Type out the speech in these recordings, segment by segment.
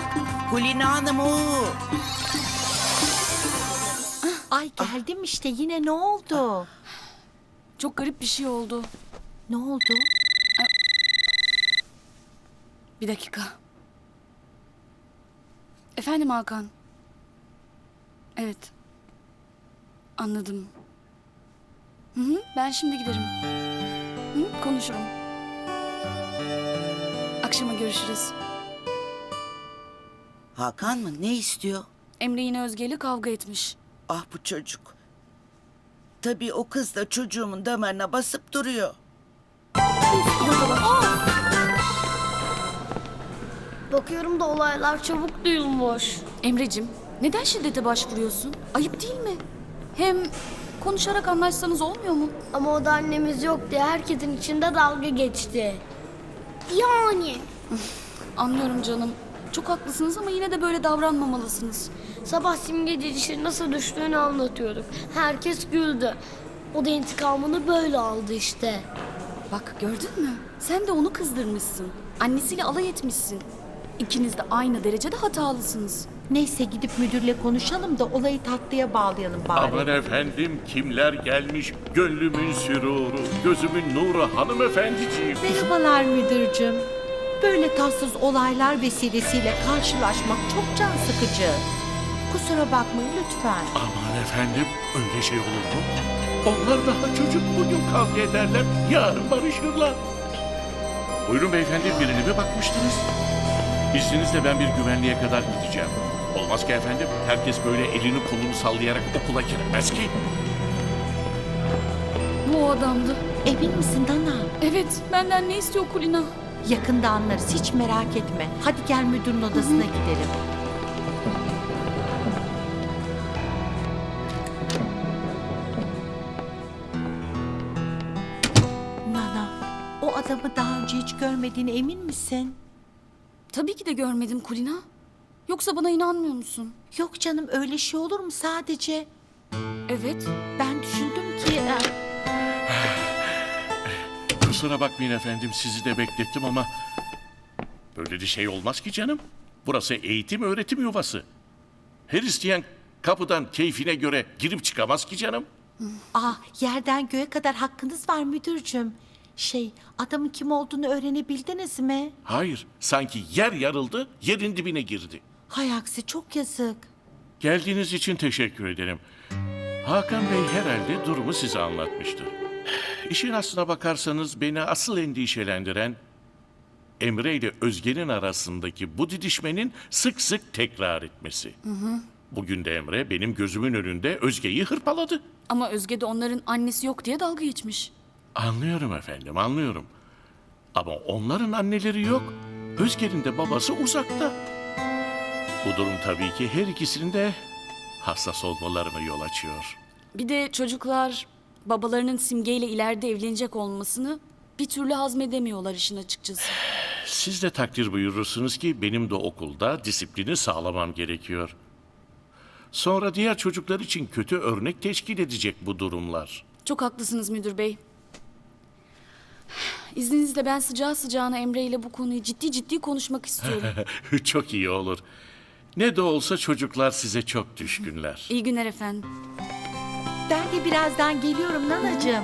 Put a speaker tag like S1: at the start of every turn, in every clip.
S1: Kulina Hanım o.
S2: Ay geldim işte, yine ne oldu?
S3: Çok garip bir şey oldu.
S2: Ne oldu?
S3: Bir dakika. Efendim Hakan. Evet. Anladım. Hı, ben şimdi giderim. Hı, konuşurum. Akşama görüşürüz.
S1: Hakan mı? Ne istiyor?
S3: Emre yine Özge ile kavga etmiş.
S1: Ah bu çocuk. Tabii o kız da çocuğumun damarına basıp duruyor.
S4: Bakıyorum da olaylar çabuk duyulmuş.
S3: Emrecim, neden şiddete başvuruyorsun? Ayıp değil mi? Hem konuşarak anlaşsanız olmuyor mu?
S4: Ama o da annemiz yok diye herkesin içinde dalga geçti. Yani.
S3: Anlıyorum canım. Çok haklısınız ama yine de böyle davranmamalısınız.
S4: Sabah Simge dişi nasıl düştüğünü anlatıyorduk. Herkes güldü. O da intikamını böyle aldı işte.
S3: Bak gördün mü? Sen de onu kızdırmışsın. Annesiyle alay etmişsin. İkiniz de aynı derecede hatalısınız.
S2: Neyse gidip müdürle konuşalım da olayı tatlıya bağlayalım bari.
S5: Aman efendim kimler gelmiş, gönlümün süruru, gözümün nuru hanımefendiciğim.
S2: Merhabalar müdürcüm. Böyle tatsız olaylar vesilesiyle karşılaşmak çok can sıkıcı. Kusura bakmayın lütfen.
S5: Aman efendim öyle şey olur mu? Onlar daha çocuk, bugün kavga ederler, yarın barışırlar. Buyurun beyefendi, birine mi bakmıştınız? İzninizle ben bir güvenliğe kadar gideceğim. Olmaz ki efendim, herkes böyle elini kolunu sallayarak okula giremez ki.
S3: Bu o adamdı.
S2: Emin misin Nana?
S3: Evet, benden ne istiyor Kulina?
S2: Yakında anlarız, hiç merak etme. Hadi gel müdürün odasına gidelim. Nana, o adamı daha önce hiç görmediğine emin misin?
S3: Tabii ki de görmedim Kulina. Yoksa bana inanmıyor musun?
S2: Yok canım, öyle şey olur mu sadece?
S3: Evet.
S2: Ben düşündüm ki...
S5: Kusura bakmayın efendim, sizi de beklettim ama... Böyle bir şey olmaz ki canım. Burası eğitim öğretim yuvası. Her isteyen kapıdan keyfine göre girip çıkamaz ki canım.
S2: Yerden göğe kadar hakkınız var müdürcüm. Adamın kim olduğunu öğrenebildiniz mi?
S5: Hayır, sanki yer yarıldı, yerin dibine girdi.
S2: Hay aksi, çok yazık.
S5: Geldiğiniz için teşekkür ederim. Hakan Bey herhalde durumu size anlatmıştır. İşin aslına bakarsanız beni asıl endişelendiren... Emre ile Özge'nin arasındaki bu didişmenin sık sık tekrar etmesi. Bugün de Emre benim gözümün önünde Özge'yi hırpaladı.
S3: Ama Özge de onların annesi yok diye dalga geçmiş.
S5: Anlıyorum efendim, anlıyorum. Ama onların anneleri yok. Özge'nin de babası uzakta. Bu durum tabii ki her ikisinin de hassas olmalarına yol açıyor.
S3: Bir de çocuklar babalarının Simge ile ileride evlenecek olmasını bir türlü hazmedemiyorlar işin açıkçası.
S5: Siz de takdir buyurursunuz ki benim de okulda disiplini sağlamam gerekiyor. Sonra diğer çocuklar için kötü örnek teşkil edecek bu durumlar.
S3: Çok haklısınız müdür bey. İzninizle ben sıcağı sıcağına Emre ile bu konuyu ciddi ciddi konuşmak istiyorum.
S5: Çok iyi olur. Ne de olsa çocuklar size çok düşkünler.
S3: İyi günler efendim.
S2: Ben de birazdan geliyorum Nanacığım.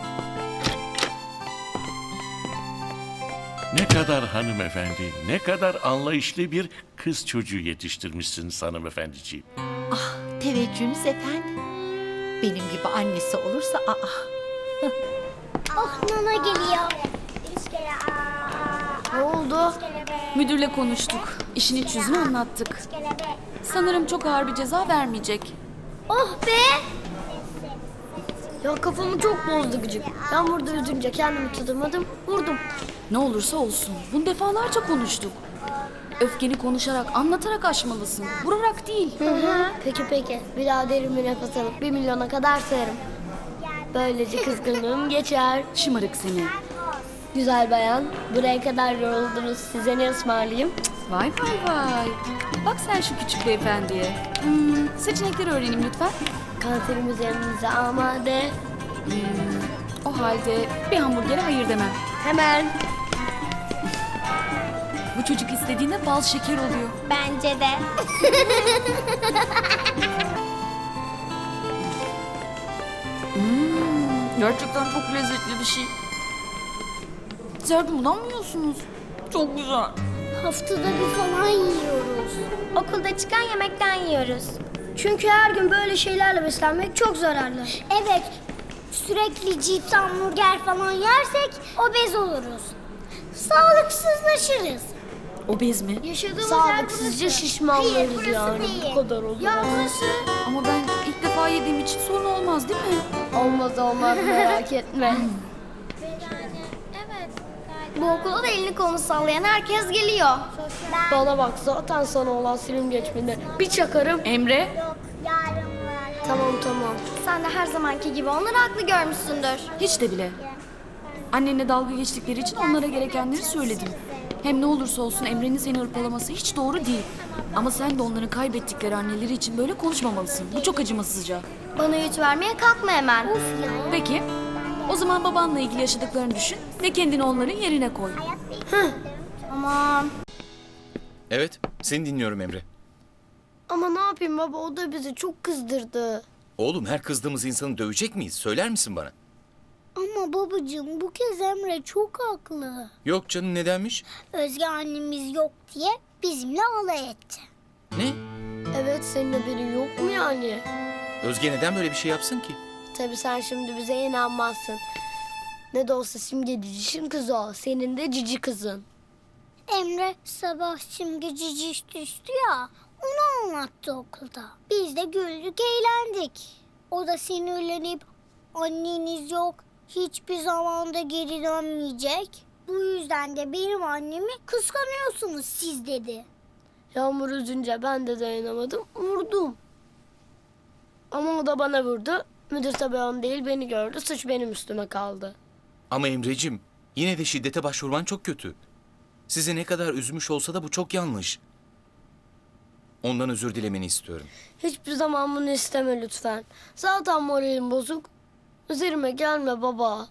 S5: Ne kadar hanımefendi, ne kadar anlayışlı bir kız çocuğu yetiştirmişsiniz hanımefendiciğim.
S2: Teveccühünüz efendim. Benim gibi annesi olursa
S4: Oh Nana geliyor. Ne oldu?
S3: Müdürle konuştuk. İşin iç yüzünü anlattık. Sanırım çok ağır bir ceza vermeyecek.
S4: Oh be! Ya kafamı çok bozdu gıcık. Ben burada üzünce kendimi tutamadım, vurdum.
S3: Ne olursa olsun. Bunu defalarca konuştuk. Öfkeni konuşarak, anlatarak aşmalısın. Vurarak değil.
S4: Peki. Bir daha derin bir nefes alıp 1 milyona kadar sayarım. Böylece kızgınlığım geçer.
S3: Şımarık seni.
S4: Güzel bayan, buraya kadar yoruldunuz. Size ne ısmarlayayım?
S3: Vay. Bak sen şu küçük beyefendiye. Seçenekleri öğreneyim lütfen.
S4: Kanserimiz yanınıza amade.
S3: O halde bir hamburgere hayır demem.
S4: Hemen.
S3: Bu çocuk istediğinde bal şeker oluyor.
S6: Bence de.
S3: Gerçekten çok lezzetli bir şey. Siz bundan mı yiyorsunuz? Çok güzel.
S6: Haftada bir falan yiyoruz. Okulda çıkan yemekten yiyoruz. Çünkü her gün böyle şeylerle beslenmek çok zararlı. Evet. Sürekli cips, hamburger falan yersek obez oluruz. Sağlıksızlaşırız.
S3: Obez mi?
S6: Yaşadığımız yer
S4: Sağlıksızca
S6: burası.
S4: şişmanlarız
S6: Hayır, burası
S4: yani.
S6: değil.
S4: Bu kadar olur.
S6: Ya burası.
S3: Ama ben ilk defa yediğim için sorun olmaz değil mi?
S4: Olmaz merak etme.
S6: Evet. Bu okula da elini kolunu sallayan herkes geliyor.
S4: Bana bak zaten sana olan silim geçmedi. Bir çakarım.
S3: Emre?
S4: Tamam.
S6: Sen de her zamanki gibi onları haklı görmüşsündür.
S3: Hiç de bile. Annenle dalga geçtikleri için onlara gerekenleri söyledim. Hem ne olursa olsun Emre'nin seni hırpalaması hiç doğru değil. Ama sen de onların kaybettikleri anneleri için böyle konuşmamalısın. Bu çok acımasızca.
S6: Bana yüz vermeye kalkma hemen.
S3: Peki, o zaman babanla ilgili yaşadıklarını düşün ve kendini onların yerine koy.
S6: Aman.
S7: Evet, seni dinliyorum Emre.
S4: Ama ne yapayım baba, o da bizi çok kızdırdı.
S7: Oğlum, her kızdığımız insanı dövecek miyiz? Söyler misin bana?
S6: Ama babacığım bu kez Emre çok haklı.
S7: Yok canım, nedenmiş?
S6: Özge annemiz yok diye bizimle alay etti.
S7: Ne?
S4: Evet, senin haberin yok mu yani?
S7: Özge neden böyle bir şey yapsın ki?
S4: Tabii sen şimdi bize inanmazsın. Ne de olsa Simge cicişin kızı o. Senin de cici kızın.
S6: Emre sabah Simge ciciş düştü ya, onu anlattı okulda. Biz de güldük eğlendik. O da sinirlenip anneniz yok, hiçbir zaman da geri dönmeyecek. Bu yüzden de benim annemi kıskanıyorsunuz siz dedi.
S4: Yağmur üzünce ben de dayanamadım, vurdum. Ama o da bana vurdu. Müdür tabii onu değil, beni gördü. Suç benim üstüme kaldı.
S7: Ama Emrecim, yine de şiddete başvurman çok kötü. Sizi ne kadar üzmüş olsa da bu çok yanlış. Ondan özür dilemeni istiyorum.
S4: Hiçbir zaman bunu isteme lütfen. Zaten moralim bozuk. Üzerime gelme baba.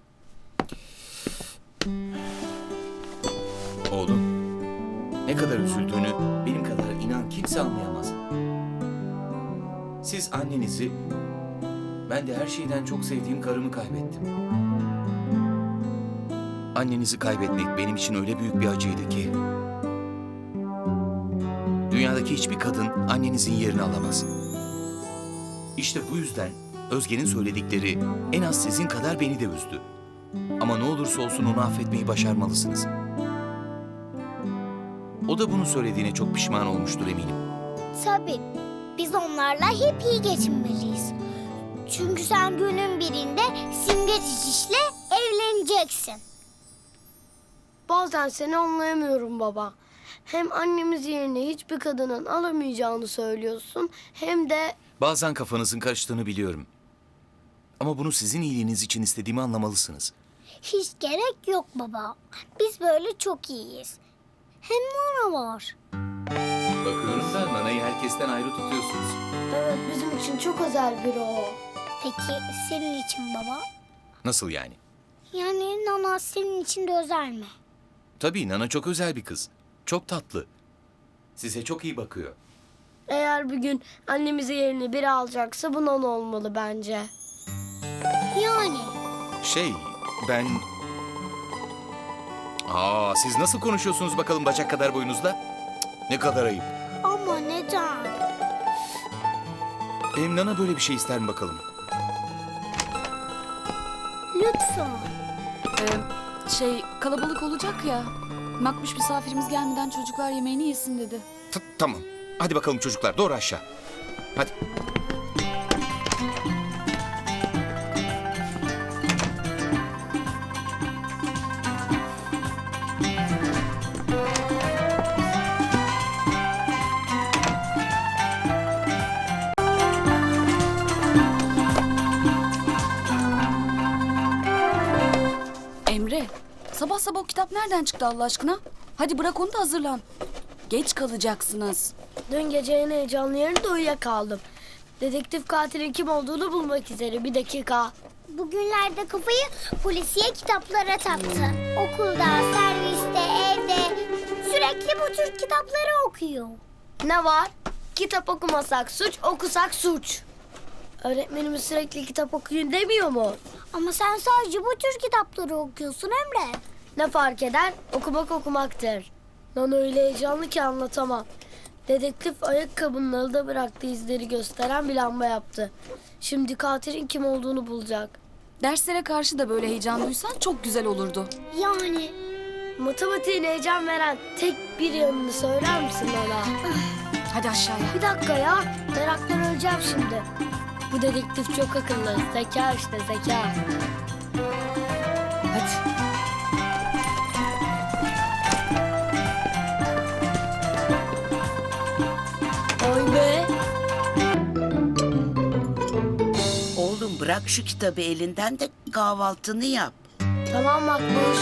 S7: Oğlum, ne kadar üzüldüğünü benim kadar inan kimse anlayamaz. Siz annenizi, ben de her şeyden çok sevdiğim karımı kaybettim. Annenizi kaybetmek benim için öyle büyük bir acıydı ki... Dünyadaki hiçbir kadın annenizin yerini alamaz. İşte bu yüzden Özge'nin söyledikleri en az sizin kadar beni de üzdü. Ama ne olursa olsun onu affetmeyi başarmalısınız. O da bunu söylediğine çok pişman olmuştur eminim.
S6: Tabii biz onlarla hep iyi geçinmeliyiz. Çünkü sen günün birinde Simge cicişle evleneceksin.
S4: Bazen seni anlayamıyorum baba. Hem annemiz yerine hiçbir kadının alamayacağını söylüyorsun, hem de...
S7: Bazen kafanızın karıştığını biliyorum. Ama bunu sizin iyiliğiniz için istediğimi anlamalısınız.
S6: Hiç gerek yok baba. Biz böyle çok iyiyiz. Hem Nana var.
S7: Bakıyorum da Nana'yı herkesten ayrı tutuyorsunuz.
S4: Evet, bizim için çok özel biri o.
S6: Peki senin için baba?
S7: Nasıl yani?
S6: Yani Nana senin için de özel mi?
S7: Tabii Nana çok özel bir kız. Çok tatlı. Size çok iyi bakıyor.
S4: Eğer bir gün annemizi yerine biri alacaksa bu Nana olmalı bence.
S6: Yani
S7: Ben... Siz nasıl konuşuyorsunuz bakalım bacak kadar boyunuzla? Cık, ne kadar ayıp.
S6: ama neden?
S7: Nana böyle bir şey ister mi bakalım?
S6: Lütfen.
S3: Kalabalık olacak ya. Makbuş misafirimiz gelmeden çocuklar yemeğini yesin dedi.
S7: Tamam. Hadi bakalım çocuklar, doğru aşağı. Hadi.
S3: Emre, sabah sabah o kitap nereden çıktı Allah aşkına? Hadi bırak onu da hazırlan. Geç kalacaksınız.
S4: Dün gece en heyecanlı yerinde uyuyakaldım. Dedektif katilin kim olduğunu bulmak üzere. Bir dakika.
S6: Bugünlerde kafayı polisiye kitaplara taktı. Okulda, serviste, evde Sürekli bu tür kitapları okuyor.
S4: Ne var? Kitap okumasak suç, okusak suç. Öğretmenimiz sürekli kitap okuyun demiyor mu?
S6: Ama sen sadece bu tür kitapları okuyorsun Emre.
S4: Ne fark eder? Okumak okumaktır. Nana öyle heyecanlı ki anlatamam. Dedektif ayakkabının alıda bıraktığı izleri gösteren bir lamba yaptı. Şimdi katilin kim olduğunu bulacak.
S3: Derslere karşı da böyle heyecan duysan çok güzel olurdu.
S6: Yani
S4: Matematiğin heyecan veren tek bir yanını söyler misin Nana?
S3: Hadi aşağıya.
S4: Bir dakika ya. Meraktan öleceğim şimdi. Bu dedektif çok akıllı. Zeka işte zeka.
S3: Hadi.
S4: Oy be.
S1: Oğlum bırak şu kitabı elinden de kahvaltını yap.
S4: Tamam Makbuş.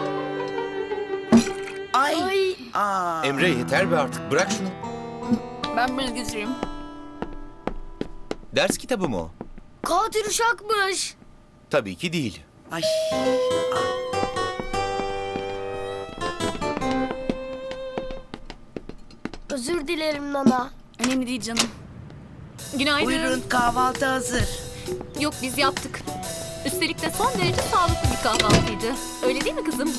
S1: Ay.
S4: Ay.
S1: Aa.
S7: Emre yeter be artık, bırak şunu.
S3: Ben bilgisayarım.
S7: Ders kitabı mı o?
S4: Katil uşakmış.
S7: Tabii ki değil.
S1: Ay.
S4: Özür dilerim Nana.
S3: Önemli değil canım. Günaydın.
S1: Buyurun kahvaltı hazır.
S8: Yok biz yaptık. Üstelik de son derece sağlıklı bir kahvaltıydı. Öyle değil mi kızım?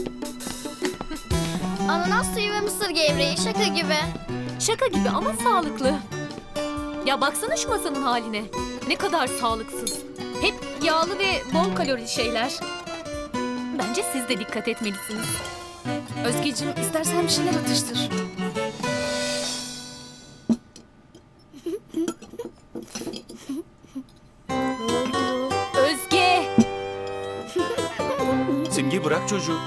S6: ananas suyu ve mısır gevreği şaka gibi.
S8: Şaka gibi ama sağlıklı. Ya baksana şu masanın haline. Ne kadar sağlıksız. Hep yağlı ve bol kalorili şeyler. Bence siz de dikkat etmelisiniz.
S3: Özgeciğim istersen bir şeyler atıştır.
S8: Özge!
S7: Simge bırak çocuğu.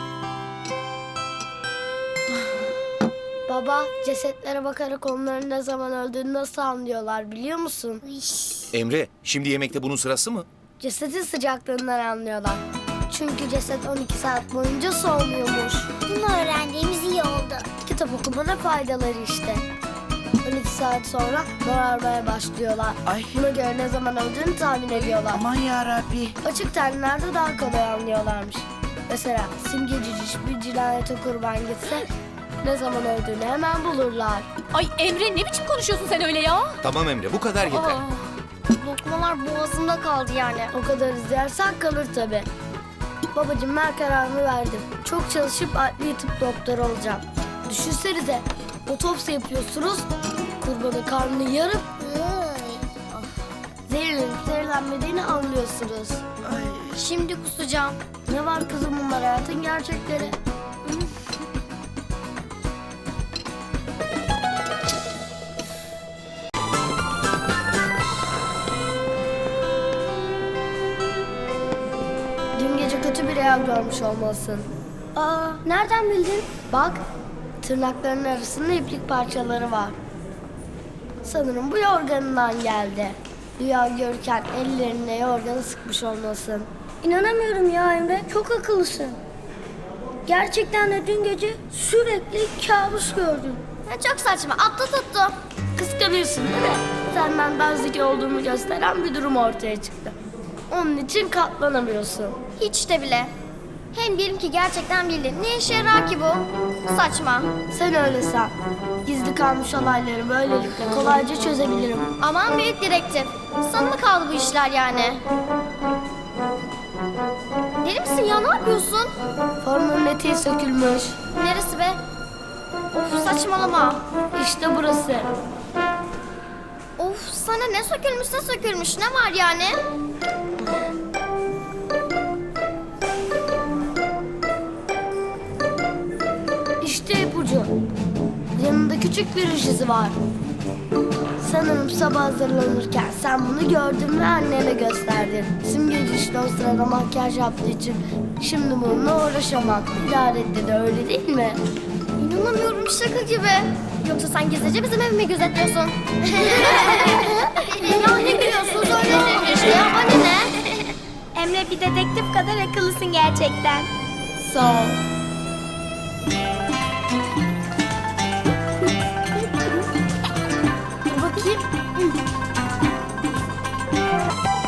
S4: Baba, cesetlere bakarak onların ne zaman öldüğünü nasıl anlıyorlar biliyor musun?
S7: Emre, şimdi yemekte bunun sırası mı?
S4: Cesetin sıcaklığından anlıyorlar. Çünkü ceset 12 saat boyunca soğumuyormuş.
S6: Bunu öğrendiğimiz iyi oldu.
S4: Kitap okumanın faydaları işte. 12 saat sonra morarmaya başlıyorlar.
S1: Ay.
S4: Buna göre ne zaman öldüğünü tahmin ediyorlar.
S1: Aman yarabbi.
S4: Açık tenlerde daha kolay anlıyorlarmış. Mesela Simge Ciciş bir cinayete kurban gitse ne zaman öldüğünü hemen bulurlar.
S8: Ay Emre ne biçim konuşuyorsun sen öyle ya?
S7: Tamam Emre, bu kadar yeter.
S8: Aa,
S4: Lokmalar boğazımda kaldı yani. O kadar izlersen kalır tabii. Babacığım ben kararımı verdim. Çok çalışıp adli tıp doktoru olacağım. Düşünsenize otopsi yapıyorsunuz. Kurbanın karnını yarıp zehirlenip zehirlenmediğini anlıyorsunuz.
S1: Ay.
S6: Şimdi kusacağım.
S4: Ne var kızım bunlar hayatın gerçekleri. Dün gece kötü bir rüya görmüş olmalısın.
S6: Aa, nereden bildin?
S4: Bak, tırnaklarının arasında iplik parçaları var. Sanırım bu yorganından geldi. Rüya görürken ellerine yorganı sıkmış olmasın.
S6: İnanamıyorum ya Emre. Çok akıllısın. Gerçekten de dün gece sürekli kabus gördüm.
S4: Çok saçma, atla tuttu. Kıskanıyorsun değil mi? Senden daha zeki olduğumu gösteren bir durum ortaya çıktı. Onun için katlanamıyorsun.
S6: Hiç de bile. Hem diyelim ki gerçekten bildin. Ne işe yarar ki bu? Saçma.
S4: Sen öyle san. Gizli kalmış olayları böylelikle kolayca çözebilirim.
S6: Aman büyük dedektif. Sana mı kaldı bu işler yani? Deli misin ya? Ne yapıyorsun?
S4: Formunun eteği sökülmüş.
S6: Neresi be? Of saçmalama.
S4: İşte burası.
S6: Of sana ne sökülmüş ne var yani?
S4: İşte ipucu. Yanında küçük bir ruj izi var. Sanırım sabah hazırlanırken sen bunu gördün ve annene gösterdin. Simgeci işte o sırada makyaj yaptığı için şimdi bununla uğraşamam. İdarette de öyle değil mi?
S6: İnanamıyorum şaka gibi. Yoksa sen gizlice bizim evimi gözetliyorsun. Ya ne gülüyorsun söyledim işte ya bana ne? Emre bir dedektif kadar akıllısın gerçekten.
S4: Sağ ol. Dur bakayım.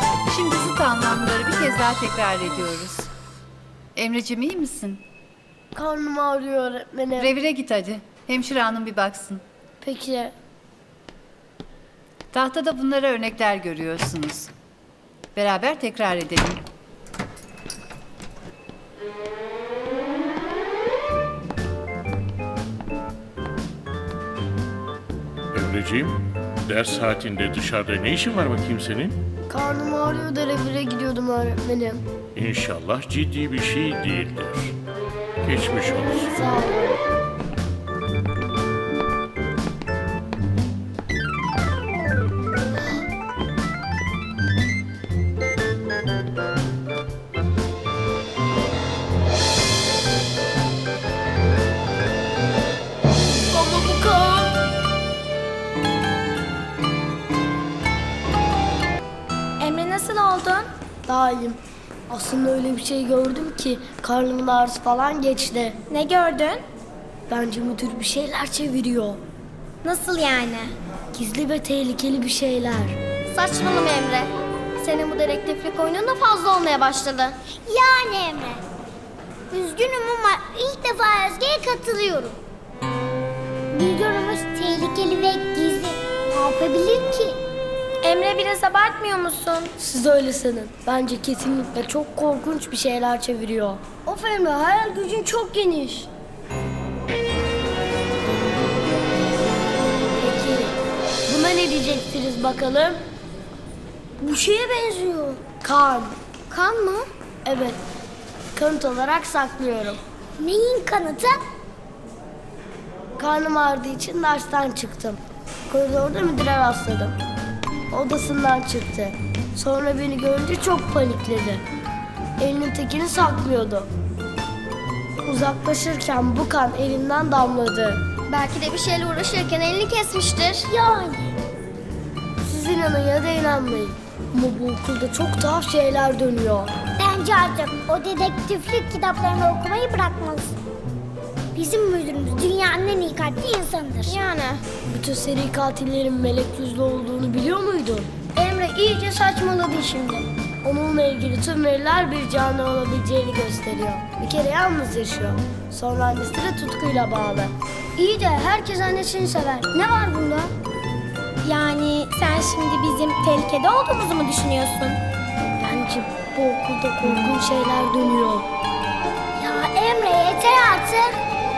S2: Şimdi zıt anlamları bir kez daha tekrar ediyoruz. Emreciğim iyi misin?
S4: Karnım ağrıyor öğretmenim.
S9: Revire git hadi. Hemşire hanım bir baksın.
S4: Peki.
S9: Tahtada bunlara örnekler görüyorsunuz. Beraber tekrar edelim.
S5: Emreciğim, ders saatinde dışarıda ne işin var bakayım senin?
S4: Karnım ağrıyor da revire gidiyordum öğretmenim.
S5: İnşallah ciddi bir şey değildir. Geçmiş olsun.
S4: Sağ olun. Ama bu kan.
S6: Emre nasıl oldun?
S4: Daha iyiyim. Aslında öyle bir şey gördüm ki karnımın ağrısı falan geçti.
S6: Ne gördün?
S4: Bence müdür bir şeyler çeviriyor.
S6: Nasıl yani?
S4: Gizli ve tehlikeli bir şeyler.
S6: Saçmalama Emre. Senin bu dedektiflik oyunun da fazla olmaya başladı. Yani Emre. Üzgünüm ama ilk defa Özge'ye katılıyorum. Bir durumumuz tehlikeli ve gizli. Ne yapabilir ki? Emre biraz abartmıyor musun?
S4: Siz öyle sanın. Bence kesinlikle çok korkunç bir şeyler çeviriyor. Of Emre, hayal gücün çok geniş. Peki, buna ne diyeceksiniz bakalım? Bu şeye benziyor. Kan.
S6: Kan mı?
S4: Evet, kanıt olarak saklıyorum.
S6: Neyin kanıtı?
S4: Karnım ağrıdığı için dersten çıktım. Koridorda müdüre rastladım. Odasından çıktı. Sonra beni görünce çok panikledi. Elinin tekini saklıyordu. Uzaklaşırken bu kan elinden damladı.
S6: Belki de bir şeyle uğraşırken elini kesmiştir. Yani.
S4: Siz inanın ya da inanmayın. Ama bu okulda çok tuhaf şeyler dönüyor.
S6: Bence artık o dedektiflik kitaplarını okumayı bırakmalısın. Bizim müdürümüz dünyanın en iyi kalpli insanıdır. Yani.
S4: Bütün seri katillerin melek yüzlü olduğunu biliyor muydun?
S6: Emre iyice saçmaladı şimdi.
S4: Onunla ilgili tüm veriler bir canlı olabileceğini gösteriyor. Bir kere yalnız yaşıyor. Sonra annesi de tutkuyla bağlı.
S6: İyi de herkes annesini sever. Ne var bunda? Yani sen şimdi bizim tehlikede olduğumuzu mu düşünüyorsun?
S4: Bence bu okulda korkunç şeyler dönüyor.
S6: Ya Emre yeter artık.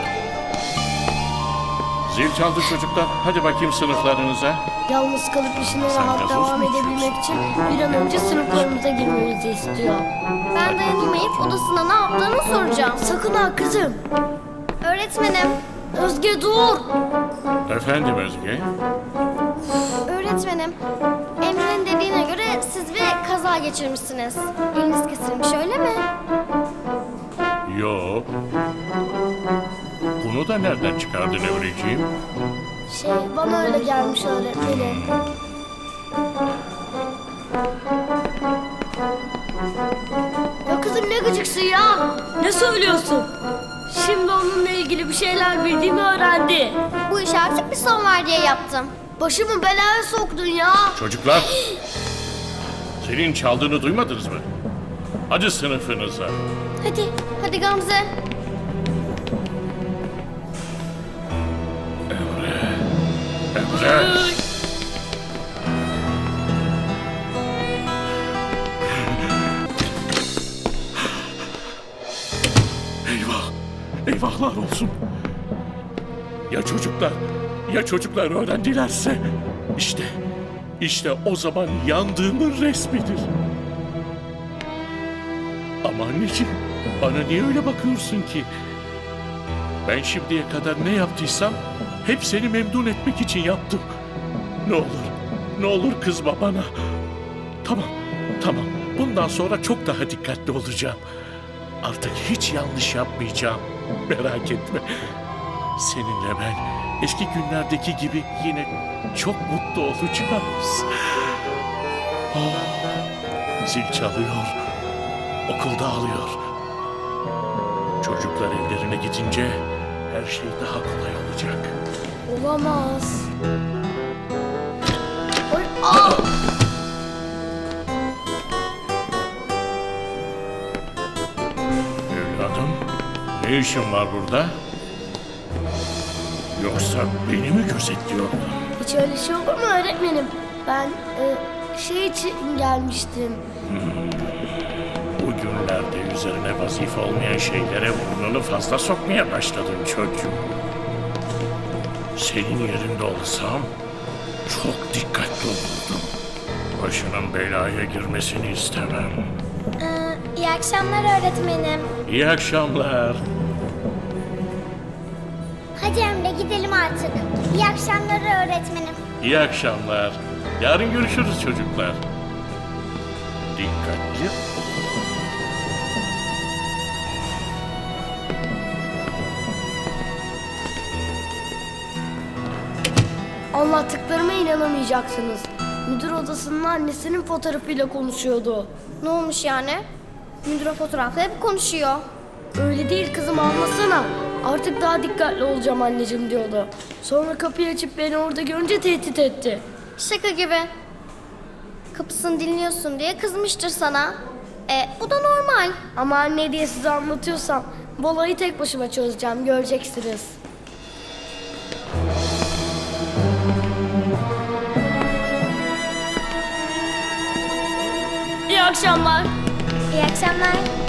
S5: Zil çaldı çocuklar. Hadi bakayım sınıflarınıza.
S4: Yalnız kalıp işine
S5: Sen
S4: rahat
S5: gazoz
S4: devam
S5: mu
S4: edebilmek için bir an önce sınıflarımıza girmemizi istiyor.
S6: Ben dayanamayıp odasında ne yaptığını soracağım.
S4: Sakın ha kızım.
S6: Öğretmenim,
S4: Özge dur.
S5: Efendim Özge?
S6: öğretmenim. Emre'nin dediğine göre siz bir kaza geçirmişsiniz. Eliniz kesilmiş öyle mi?
S5: Yo. Bunu da nereden çıkardın Emreciğim?
S4: Bana öyle gelmiş öğretmenim. Ya kızım ne gıcıksın ya? Ne söylüyorsun? Şimdi onunla ilgili bir şeyler bildiğimi öğrendi.
S6: Bu işe artık bir son var diye yaptım.
S4: Başımı belaya soktun ya.
S5: Çocuklar! Senin çaldığını duymadınız mı? Hadi sınıfınıza.
S6: Hadi Gamze.
S5: Emre! Eyvah! Eyvahlar olsun! Ya çocuklar öğrendilerse? İşte o zaman yandığımın resmidir. Ama anneciğim, bana niye öyle bakıyorsun ki? Ben şimdiye kadar ne yaptıysam hep seni memnun etmek için yaptım. Ne olur kızma bana. Tamam. Bundan sonra çok daha dikkatli olacağım. Artık hiç yanlış yapmayacağım. Merak etme. Seninle ben eski günlerdeki gibi yine çok mutlu olacağız. Zil çalıyor. Okul dağılıyor. Çocuklar evlerine gidince her şey daha kolay olacak.
S4: Olamaz.
S5: Ne işin var burada? Yoksa beni mi gözetliyordun?
S4: Hiç öyle şey olur mu öğretmenim? Ben şey için gelmiştim.
S5: Bugünlerde üzerine vazife olmayan şeylere burnunu fazla sokmaya başladın çocuğum. Senin yerinde olsam çok dikkatli olurdum. Başının belaya girmesini istemem.
S6: İyi akşamlar öğretmenim.
S5: İyi akşamlar.
S6: Hadi Emre gidelim artık. İyi akşamlar öğretmenim.
S5: İyi akşamlar. Yarın görüşürüz çocuklar. Dikkatli.
S4: Anlattıklarıma inanamayacaksınız. Müdür odasının annesinin fotoğrafıyla konuşuyordu.
S6: Ne olmuş yani? Müdür fotoğrafla hep konuşuyor.
S4: Öyle değil kızım, anlasana. Artık daha dikkatli olacağım anneciğim diyordu. Sonra kapıyı açıp beni orada görünce tehdit etti.
S6: Şaka gibi. Kapısını dinliyorsun diye kızmıştır sana. Bu da normal.
S4: Ama anne diye size anlatıyorsam bu olayı tek başıma çözeceğim, göreceksiniz. İyi akşamlar.
S6: İyi akşamlar.